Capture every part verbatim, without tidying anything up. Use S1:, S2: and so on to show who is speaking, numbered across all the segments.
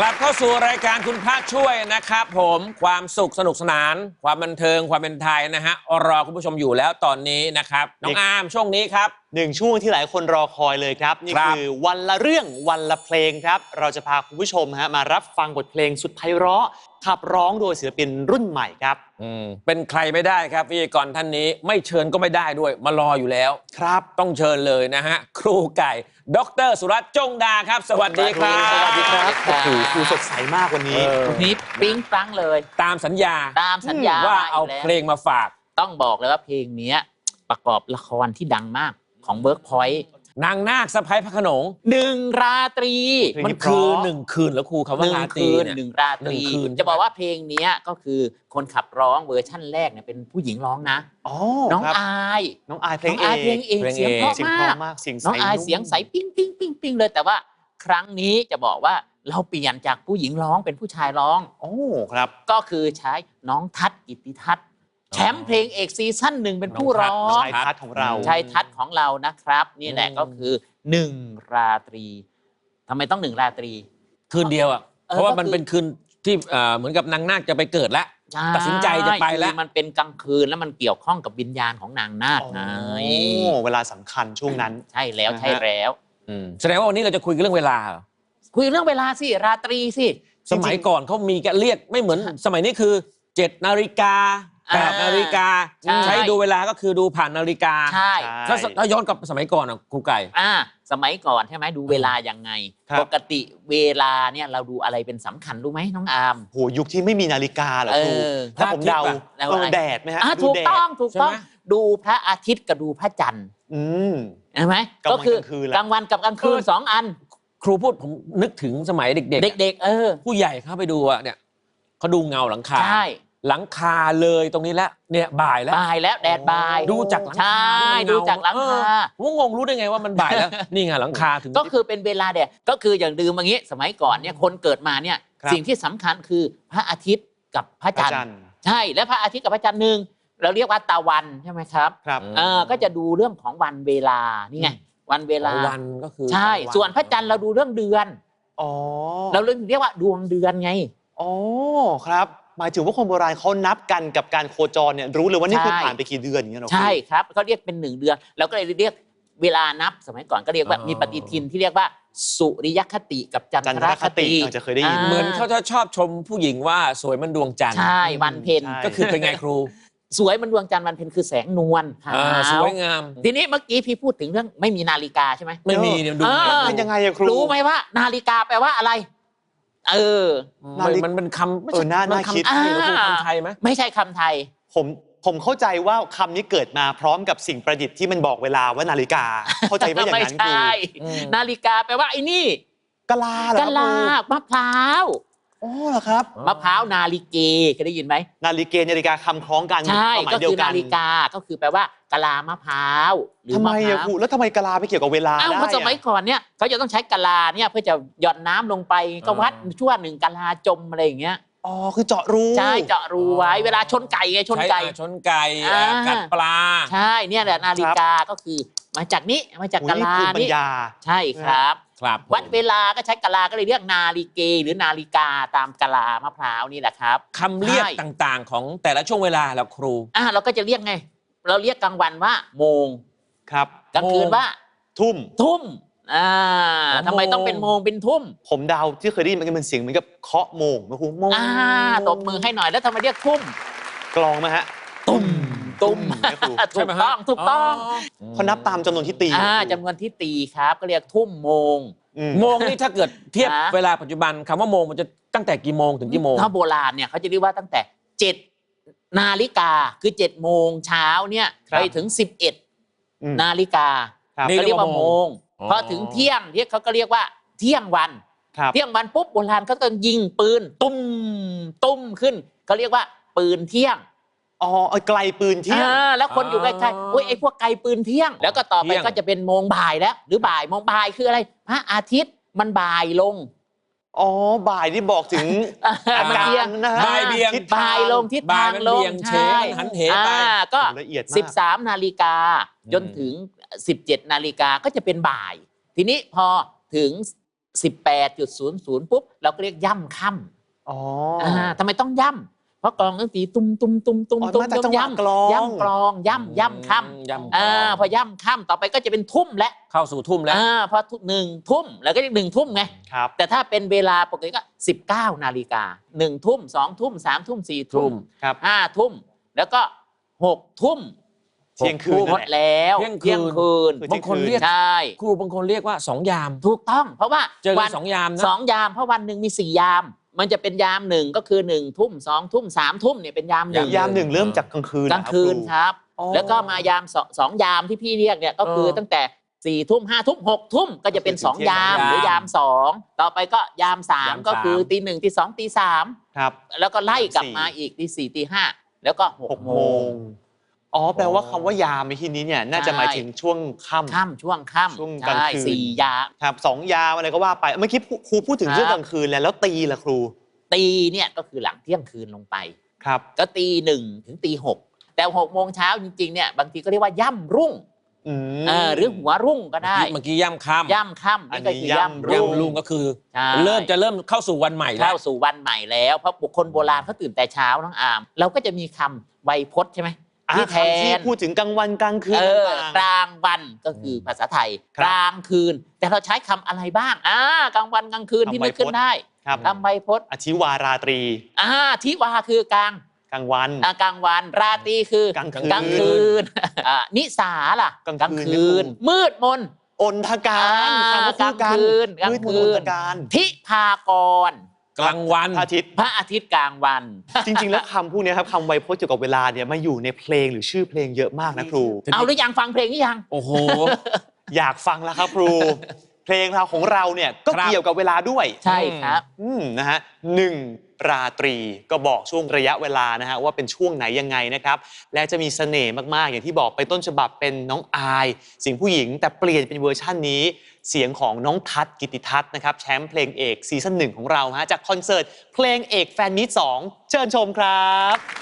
S1: ลับเข้าสู่รายการคุณพระช่วยนะครับผมความสุขสนุกสนานความบันเทิงความเป็นไทยนะฮะรอคุณผู้ชมอยู่แล้วตอนนี้นะครับน้องอาร์มช่วงนี้ครับ
S2: หนึ่งช่วงที่หลายคนรอคอยเลยครับนี่คือวันละเรื่องวันละเพลงครับเราจะพาคุณผู้ชมฮะมารับฟังบทเพลงสุดไพเราะขับร้องโดยศิลปินรุ่นใหม่ครับ
S1: อืมเป็นใครไม่ได้ครับพิธีกรท่านนี้ไม่เชิญก็ไม่ได้ด้วยมารออยู่แล้ว
S2: ครับ
S1: ต้องเชิญเลยนะฮะครูไก่ดร.สุรัตน์จงดาครับสวัสดีครับ
S2: สวัสดีครับโอ้โหครูสดใสมากวันนี้
S3: วันนี้ปิ๊งปังเลย
S1: ตามสัญญา
S3: ตามสัญญา
S1: ว่าเอาเพลงมาฝาก
S3: ต้องบอกเลยว่าเพลงนี้ประกอบละครที่ดังมากของเวิร์กพอยต์
S1: นางนาคสะพ้ายพระโขนง
S3: หนึ่งราตรี
S1: มันคือหนึ่งคืนแล้วครูคำว่าราตรี
S3: เนี่ยหนึ่งราตรีจะบอกว่าเพลงนี้ก็คือคนขับร้องเวอร์ชั่นแรกเนี่ยเป็นผู้หญิงร้องนะน้องอาย
S2: น้องอายเพลงเอ
S3: เพลงเองเสียงเพราะมากน้องอายเสียงใสปิ้งปิ้งปิ้งปิ้งเลยแต่ว่าครั้งนี้จะบอกว่าเราเปลี่ยนจากผู้หญิงร้องเป็นผู้ชายร้อง
S2: โอ้ครับ
S3: ก็คือใช้น้องทัศน์กิตติทัศน์แชมป์เพลงเอกซีซั่นหนึ่งเป็นผู้ร้อง
S2: ชายทัศน์ของเรา
S3: ชายทัศน์ของเรานะครับนี่แหละก็คือหนึ่งราตรีทำไมต้องหนึ่งราตรี
S1: คืนเดียวอ่ะเพราะว่ามันเป็นคืนที่เหมือนกับนางนาคจะไปเกิดแล้วตัดสินใจจะไปแล้ว
S3: มันเป็นกลางคืนแล้วมันเกี่ยวข้องกับวิญญาณของนางนาคไง
S2: เวลาสำคัญช่วงนั้น
S3: ใช่แล้วใช่แล้ว
S1: แสดงว่าวันนี้เราจะคุยเรื่องเวลา
S3: คุยเรื่องเวลาสิราตรีสิ
S1: สมัยก่อนเขามีการเรียกไม่เหมือนสมัยนี้คือเจ็ดนาฬิกาแปดนาฬิกาใช้ดูเวลาก็คือดูผ่านนาฬิกา
S3: ใช่
S1: ถ้าย้อนกลับสมัยก่อนอ่ะครูไก่
S3: อ่าสมัยก่อนใช่ไหมดูเวลายังไงปกติเวลาเนี่ยเราดูอะไรเป็นสำคัญรู้ไหมน้องอาร์ม
S2: โหยุคที่ไม่มีนาฬิกาเหรอครูถ้าผมเดาแดดไหมฮะ
S3: ถูกต้องถูกต้องดูพระอาทิตย์กับดูพระจันทร์ใช่ไหมก็คือกลางวันกับกลางคืนสองอัน
S1: ครูพูดผมนึกถึงสมัยเด็ก
S3: ๆเด็กๆเออ
S1: ผู้ใหญ่เข้าไปดูอ่ะเนี่ยเขาดูเงาหลังคา
S3: ใช่
S1: หลังคาเลยตรงนี้แล้วเนี่ยบ่ายแล้ว
S3: บ่ายแล้วแดดบ่าย
S1: ดูจากหลัง
S3: คาดูจากหลังคา
S1: ว่างงรู้ได้ไงว่ามันบ่ายแล้วนี่ไงหลังคาถึง
S3: ก็คือเป็นเวลาแดดก็คืออย่างดื่มอย่างนี้สมัยก่อนเนี่ยคนเกิดมาเนี่ยสิ่งที่สำคัญคือพระอาทิตย์กับพระจันทร์ใช่และพระอาทิตย์กับพระจันทร์หนึ่งเราเรียกว่าตะวันใช่ไหมครับ
S2: ครับ
S3: เออก็จะดูเรื่องของวันเวลานี่ไงวันเวลา
S1: วันก็คือ
S3: ใช่ส่วนพระจันทร์เราดูเรื่องเดือน
S2: อ๋อ
S3: เราเรียกว่าดวงเดือนไง
S2: อ๋อครับหมายถึงว่าคนโบราณเขานับกันกับการโคจรเนี่ยรู้เลยว่านี่คือผ่านไปกี่เดือนอย่างเงี้ยหรอ
S3: ใช่ครับเขาเรียกเป็นหนึ่งเดือนแล้วก็เลยเรียกเวลานับสมัยก่อนก็เรียกว่ามีปฏิทินที่เรียกว่าสุริยคติกับจันทรคติ
S2: อาจจะเคยได้ยิน
S1: เหมือนเขาจะชอบชมผู้หญิงว่าสวยมันดวงจันทร์
S3: ใช่วันเพ็ญ
S1: ก็คือเป็นไงครู
S3: สวยมันดวงจันทร์วันเพ็ญคือแสงนวล
S1: สวยงาม
S3: ทีนี้เมื่อกี้พี่พูดถึงเรื่องไม่มีนาฬิกาใช่ไหม
S1: ไม่มีเนี่ยดู
S2: เป็นยังไงอะครู
S3: รู้ไหมว่านาฬิกาแปลว่าอะไรเออ
S1: มันเป็นคำ
S2: เออน่าน่าคิด
S1: คำไทยไหม
S3: ไม่ใช่คำไทย
S2: ผมผมเข้าใจว่าคำนี้เกิดมาพร้อมกับสิ่งประดิษฐ์ที่มันบอกเวลาว่านาฬิกาเข้าใจว่าอย่างนั้นคือ
S3: นาฬิกาแปลว่าไอ้นี่
S2: กะลาเหรอก
S3: ะลามะพร้าว
S2: อ๋อเหรอครับ
S3: มะพร้าวนาฬิเกเคยได้ยินไหม
S2: นาฬิเกนาฬิกาคำคล้องกัน
S3: ใช่ก็คือนาฬิกาก็คือแปลว่ากะลามะพร้าว
S2: ทำไมอะครูแล้วทำไมกะลาไปเกี่ยวกับเวลาได้
S3: อ้าวเพราะสมัยก่อนเนี่ยเขาจะต้องใช้กะลาเนี่ยเพื่อจะหย่อนน้ำลงไปก็วัดชั่วหนึ่งกะลาจมอะไรอย่างเงี้ย
S2: อ๋อคือเจาะรู
S3: ใช่เจาะรูไว้เวลาชนไก่ไงชนไก่
S1: ชนไก่กัดปลา
S3: ใช่เนี่ยแหละนาฬิกาก็คือมาจากนี้มาจากกะลานี่ใช่ครับวัดเวลาก็ใช้กะลาก็เลยเรียกนาฬิเกหรือนาฬิกาตามกะลามะพร้าวนี่แหละครับ
S1: คำเรียกต่างๆของแต่ละช่วงเวลาแล้วครู
S3: อ่าเราก็จะเรียกไงเราเรียกกลางวันว่าโมง
S2: ครับ
S3: กลางคืนว่า
S2: ทุ่ม
S3: ทุ่มอ่าทำไมต้องเป็นโมงเป็นทุ่ม
S2: ผมเดาที่เคยได้ยินมันเป็นเสียงเหมือนกับเคาะโมงนะครูโมง
S3: อ่าตบมือให้หน่อยแล้วทำไมเรียกทุ่ม
S2: กลองไหมฮะ
S3: ตุ้มตุ้มถูกต้องถูกต้อง
S2: เขานับตามจำนวนที่ตี
S3: อ่าจำนวนที่ตีครับก็เรียกทุ่มโมง
S1: โมงนี่ถ้าเกิดเทียบเวลาปัจจุบันคำว่าโมงมันจะตั้งแต่กี่โมงถึงกี่โมง
S3: ถ้าโบราณเนี่ยเขาจะเรียกว่าตั้งแต่เจ็ดนาฬิกาคือเจ็ดโมงเช้าเนี่ยไปถึงสิบเอ็ดนาฬิกาเขาเรียกว่าโมงพอถึงเที่ยงที่เขาก็เรียกว่าเที่ยงวันเที่ยงวันปุ๊บโบราณเขาต้องยิงปืนตุ้มตุ้มขึ้นเขาเรียกว่าปืนเที่ยง
S2: อ๋อไกลปืนเที่ยง
S3: แล้วคนอยู่ใกล้ๆโอ้ยไอ้พวกไกลปืนเที่ยงแล้วก็ต่อไปก็จะเป็นโมงบ่ายแล้วหรือบ่ายโมงบ่ายคืออะไรพระอาทิตย์มันบ่ายลง
S2: อ๋อบ่ายที่บอกถึงอาการนะฮะ
S1: บ่ายเบี่ยง
S3: บ่ายลงทิศทางลง
S1: ใช่หันเหไป
S3: ก็สิบสามนาฬิกาจนถึงสิบเจ็ดนาฬิกาก็จะเป็นบ่ายทีนี้พอถึงสิบแปดจุดศูนย์ศูนย์ปุ๊บเราก็เรียกย่ำค่ำ
S2: อ๋อ
S3: อ่าทำไมต้องย่ำเพราะกลองดนตรีตุ้มตุ้มตุ้มตุ้ม
S2: อ๋อ
S3: ตุ้ม
S2: มาจาก
S3: ตุ้
S2: จั
S3: ม
S2: งหวะ
S3: ย่ำ
S2: กลอง
S3: ย่ำกลองย่ำย่ำค่
S1: ย่ำ
S3: ำอ่าพอย่ำค่ำต่อไปก็จะเป็นทุ่มและ
S1: เข้าสู่ทุ่มแล้ว
S3: อ่าพอหนึ่งทุ่มแล้วก็เรียกหนึ่งทุ่มไง
S2: ครับ
S3: แต่ถ้าเป็นเวลาปกติก็สิบเก้านาฬิกาหนึ่งทุ่มสองทุ่มสามทุ่มสี่ทุ่ม
S2: ครับ
S3: ห้าทุ่มแล้วก็หกทุ่ม
S2: เที่ยงคืน
S3: หมดแล้ว
S1: เที่ยงคืน
S3: คืน
S2: คือ
S1: บางคนเรียก
S3: ใช่
S1: ครูบางคนเรียกว่าสองยาม
S3: ถูกต้อง เพราะว่า
S1: เจอกัน
S3: วั
S1: สองยามนะ
S3: สองยามเพราะวันหนึ่งมีสี่ยาม มันจะเป็นยามหนึ่งก็คือหนึ่งทุ่มสองทุ่มสามทุ่มเนี่ยเป็นยามหนึ่ง
S2: ยามหนึ่งเริ่มจากกลางคืน
S3: กลางคืน
S2: เหรอ
S3: ค
S2: รับ
S3: รับ
S2: อ๋อ
S3: แล้วก็มายามสองสองยามที่พี่เรียกเนี่ยก็คือ
S1: เออ
S3: ตั้งแต่สี่ทุ่มห้าทุ่มหกทุ่มก็จะเป็น
S2: ก็คือ
S3: สอง
S2: ถึงเที่ยง
S3: ยาม
S1: ยาม
S3: หรือยามสองต่อไปก็ยามสาม
S1: ยาม
S3: ก็คือ
S1: สาม
S3: ตีหนึ่งตีสองตีสาม
S2: ครับ
S3: แล้วก็ไล่กลับ
S2: สี่
S3: มาอีกตีสี่ตีห้าแล้วก็ห
S2: ห
S3: ก
S2: ก
S3: โม
S2: โม
S3: ง
S2: งอ๋อแปลว่าคำว่ายามในที่นี้เนี่ยน่าจะ
S3: ใช่
S2: หมายถึงช่วงค่ำ
S3: ค่ำช่วงค่ำ
S2: ช่วงกลาง
S3: ใช่
S2: คืน
S3: สี่ยาม
S2: ครับสองยามอะไรก็ว่าไปเมื่อกี้ครูพูดถึง
S3: ครับ
S2: ช่วงกลางคืนแล้วแล้วตีล่ะครู
S3: ตีเนี่ยก็คือหลังเที่ยงคืนลงไป
S2: ครับ
S3: ก็ตีหนึ่งถึงตีหกแต่หกโมงเช้าจริงๆเนี่ยบางทีก็เรียกว่าย่ำรุ่ง
S2: อืม
S3: เออหรือหัวรุ่งก็ได้
S1: เมื่อกี้ย่ำค่ำ
S3: ย่ำค่ำ
S2: อัน
S3: นี่
S2: นี้
S3: ก็คือย่ำ
S2: ย่ำรุ่
S3: รุ่ง
S1: ย่ำลุงก็คือ
S3: ใช่
S1: เริ่มจะเริ่มเข้าสู่วันใหม่แล้ว
S3: เข้าสู่วันใหม่แล้วเพราะบุคคลโบราณเขาตื่นแต่เช้าน้องอาม เราก็จะมีคำไวยพจน์ใช่ไหม
S2: อ่ะ
S3: ที่แท
S2: คำที่
S3: น
S2: พูดถึงกลางวันกลางคืน
S3: เออ
S2: ต่าง
S3: กลางวันก็คือภาษาไทย
S2: ครับ
S3: กลางคืน แต่เราใช้คำอะไรบ้างอ่ากลางวันกลางคืน
S2: คำ
S3: ที่นึกขึ้น
S2: ไวยพจน์
S3: ได้
S2: ๆครับ
S3: คำไวยพจน์
S2: อธิวาราตรี
S3: อ่าทิวาคือกลาง
S2: กลางวัน
S3: อ่ากลางวันราตรีคือก
S2: ลางคืน
S3: กลางคืนอ่านิสาล่ะ
S2: กลางคืน
S3: มืดมน
S2: อนทการ
S3: อ่า
S2: คำว่าคู่กัน
S3: กลางคืนกลาง
S2: มืดมน
S3: คื
S2: อน
S3: น
S2: ทการ
S3: ทิพากร
S1: กลางวัน
S2: พระอาทิตย์
S3: พระอาทิตย์กลางวัน
S2: จริง ๆ แล้วคำพวกเนี้ยครับคำไวยพจน์เกี่ยวกับเวลาเนี่ยมาอยู่ในเพลงหรือชื่อเพลงเยอะมากนะครู
S3: เอาหรือยังฟังเพลงหรือยัง
S1: โอ้โห
S2: อยากฟังแล้วครับครู เพลงเราของเราเนี่ยก็
S1: ครับ
S2: เกี่ยวกับเวลาด้วย
S3: ใช่ครับ
S2: อืมนะฮะหนึ่งราตรีก็บอกช่วงระยะเวลานะฮะว่าเป็นช่วงไหนยังไงนะครับและจะมีเสน่ห์มากๆ อย่างที่บอกไปต้นฉบับเป็นน้องอายเสียงผู้หญิงแต่เปลี่ยนเป็นเวอร์ชั่นนี้ เสียงของน้องทัศน์กิติทัศน์นะครับแชมป์เพลงเอกซีซั่นหนึ่งของเราฮะจากคอนเสิร์ตเพลงเอกแฟนมิตรสองเชิญชมครับ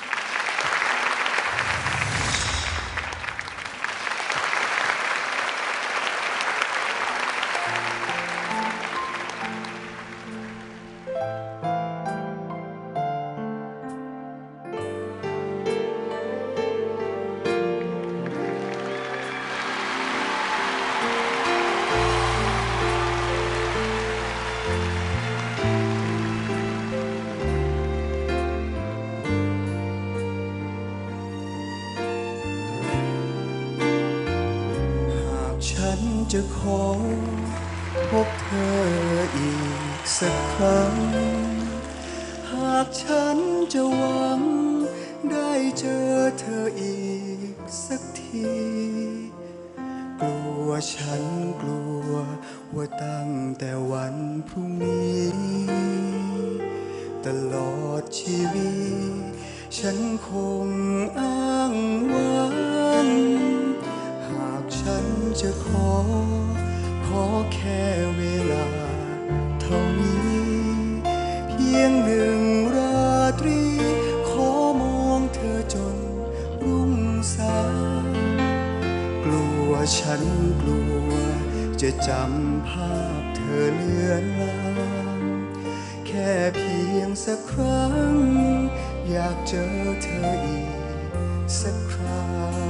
S4: หากฉันจะขอพบเธออีกสักครั้ง หากฉันจะหวังได้เจอเธออีกสักที กลัวฉันกลัวว่าตั้งแต่วันพรุ่งนี้ ตลอดชีวิตฉันคงอ้างว้าง หากฉันจะขอ ขอแค่เวลาเท่านี้ เพียงหนึ่งราตรี ขอมองเธอจนรุ่งสาง กลัวฉันกลัวจะจำภาพเธอเลือนลางแค่เพียงสักครั้ง อยากเจอเธออีกสักครา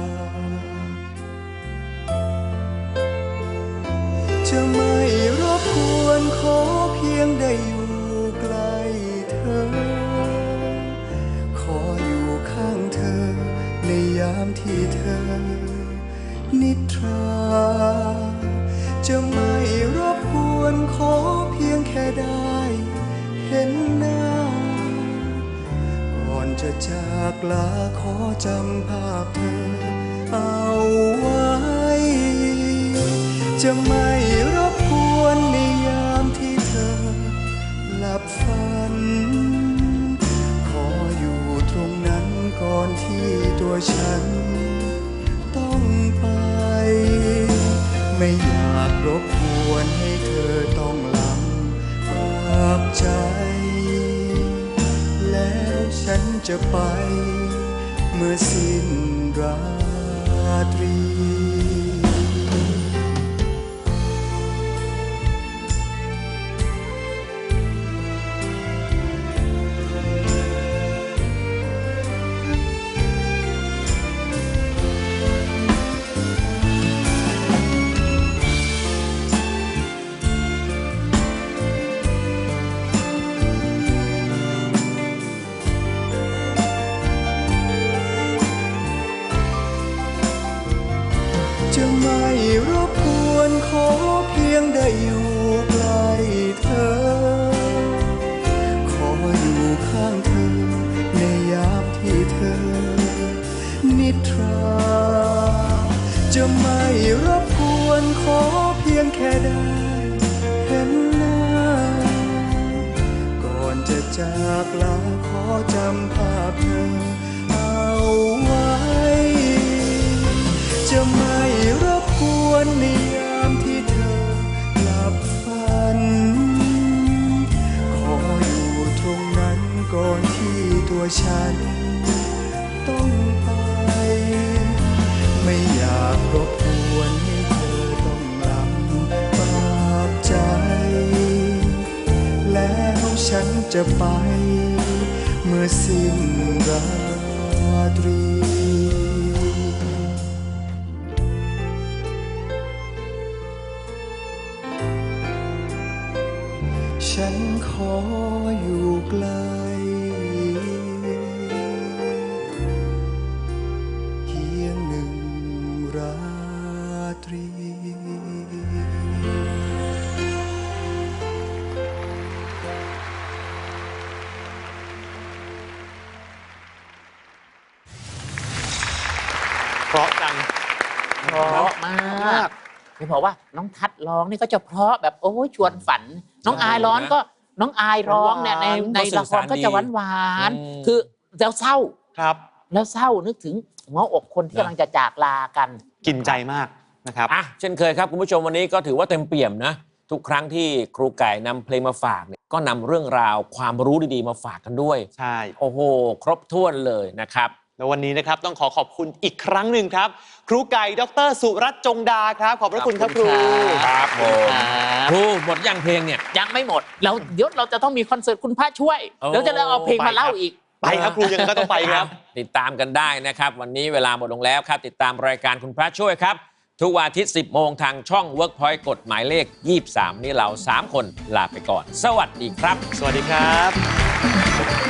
S4: จะไม่รบกวนขอเพียงได้อยู่ใกล้เธอ ขออยู่ข้างเธอในยามที่เธอ นิทรา จะไม่รบกวนขอเพียงแค่ได้เห็นหน้า ก่อนจะจากลาขอจำภาพเธอเอาไว้ จะไม่รบกวนในยามที่เธอหลับฝัน ขออยู่ตรงนั้นก่อนที่ตัวฉันต้องไป ไม่อยากรบกวนให้เธอต้องลำบากใจ แล้วฉันจะไปเมื่อสิ้นราตรี
S2: ค
S4: ขอเพียงได้อยู่ใกล้เธอขออยู่ข้างเธอในยามที่เธอนิทราจะไม่รบกวนขอเพียงแค่ได้เห็นหน้าก่อนจะจากลาขอจำภาพเธอเอาไว้จะไม่รบกวนในยามที่เธอหลับฝันขออยู่ตรงนั้นก่อนที่ตัวฉันต้องไปไม่อยากรบกวนให้เธอต้องลำบากใจแล้วฉันจะไปเมื่อสิ้นราตรีฉันขออยู่ไกลเพียงหนึ่งราตรี
S2: เพราะจัง
S3: เพราะมากจะบอกว่าน้องทัดร้องนี่ก็จะเพราะแบบโอ้ยชวนฝัน น้องอายร้องก็น้องอายร้องเนี่ยในในละครก็จะหวานหวานๆคือแล้วเศร้า
S2: ครับ
S3: แล้วเศร้านึกถึงหัวอกคนที่กำลังจะจากลากัน
S2: กินใจมากนะครับ
S1: อ่ะเช่นเคยครับคุณผู้ชมวันนี้ก็ถือว่าเต็มเปี่ยมนะทุกครั้งที่ครูไก่นำเพลงมาฝากเนี่ยก็นำเรื่องราวความรู้ดีๆมาฝากกันด้วย
S2: ใช่
S1: โอ้โห ครบถ้วนเลยนะครับ
S2: แล้ววันนี้นะครับต้องขอขอบคุณอีกครั้งหนึ่งครับ ครูไก่ดรสุรัตน์จงดาครับ ขอบพระคุณครับครู
S1: ครับผม
S3: ครับ
S1: ครูหมดยังเพลงเนี่ย
S3: ยังไม่หมดเราเดี๋ยวเราจะต้องมีคอนเสิร์ตคุณพระช่วย
S1: โอ้
S3: เดี๋ยวจะเอาเพลงมาเล่าอีก
S2: ไปครับครูยังไงก็ต้องไปครับ
S1: ติดตามกันได้นะครับ วันนี้เวลาหมดลงแล้วครับ ติดตามรายการคุณพระช่วยครับ ทุกวันอาทิตย์ สิบโมงทางช่อง Workpoint กฎหมายเลข ยี่สิบสาม นี่เรา สาม คนลาไปก่อน สวัสดีครับ
S2: สวัสดีครับ